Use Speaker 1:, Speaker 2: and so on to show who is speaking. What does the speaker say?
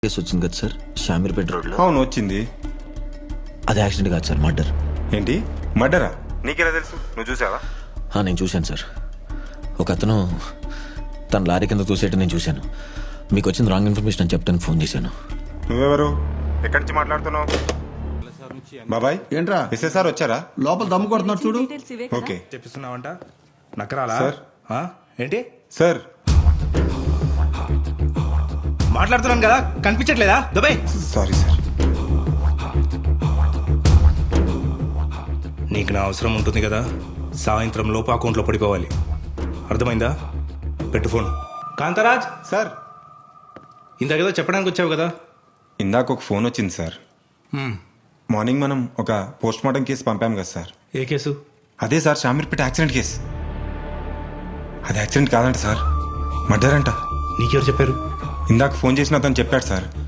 Speaker 1: Case వచ్చింది కదా sir, Shamirpet రోడ్లో.
Speaker 2: అవును వచ్చింది.
Speaker 1: అది యాక్సిడెంట్ కాదు సార్, మర్డర్.
Speaker 2: ఏంటి మర్డరా? నీకెలా తెలుసు? నువ్వు చూసావా?
Speaker 1: నేను చూశాను సార్. ఒక అతను తన లారీ కింద తోసేయటం నేను చూశాను. మీకు వచ్చింది రాంగ్ ఇన్ఫర్మేషన్ అని చెప్తాను ఫోన్ చేశాను.
Speaker 2: నువ్వెవరు? ఎక్కడి నుంచి మాట్లాడుతున్నావు? బాబాయ్
Speaker 3: ఏంట్రా
Speaker 2: ఎస్ఎస్ఆర్ వచ్చారా?
Speaker 3: లోపల దమ్ము కొడుతున్నాడు చూడు.
Speaker 2: ఓకే
Speaker 4: చెప్పిస్తున్నావంట నక్కరాలా
Speaker 2: సార్.
Speaker 4: ఏంటి
Speaker 2: సార్.
Speaker 4: మాట్లాడుతున్నాను కదా కనిపించట్లేదా? Dubai
Speaker 2: sorry sir.
Speaker 4: నీకు నా అవసరం ఉంటుంది కదా, సాయంత్రం లోపు అకౌంట్లో పడిపోవాలి. అర్థమైందా? పెట్టు ఫోన్. కాంతరాజ్
Speaker 2: సార్
Speaker 4: ఇందాకేదో చెప్పడానికి వచ్చావు కదా.
Speaker 2: ఇందాక ఒక ఫోన్ వచ్చింది సార్. మార్నింగ్ మనం ఒక పోస్ట్ మార్టం కేసు పంపాం కదా సార్.
Speaker 4: ఏ కేసు?
Speaker 2: అదే సార్, షామీర్పేట యాక్సిడెంట్ కేసు. అది యాక్సిడెంట్ కాదంట సార్, మర్డర్ అంట.
Speaker 4: నీకెవరు చెప్పారు?
Speaker 2: ఇందాక ఫోన్ చేసిన అతను చెప్పాడు సార్.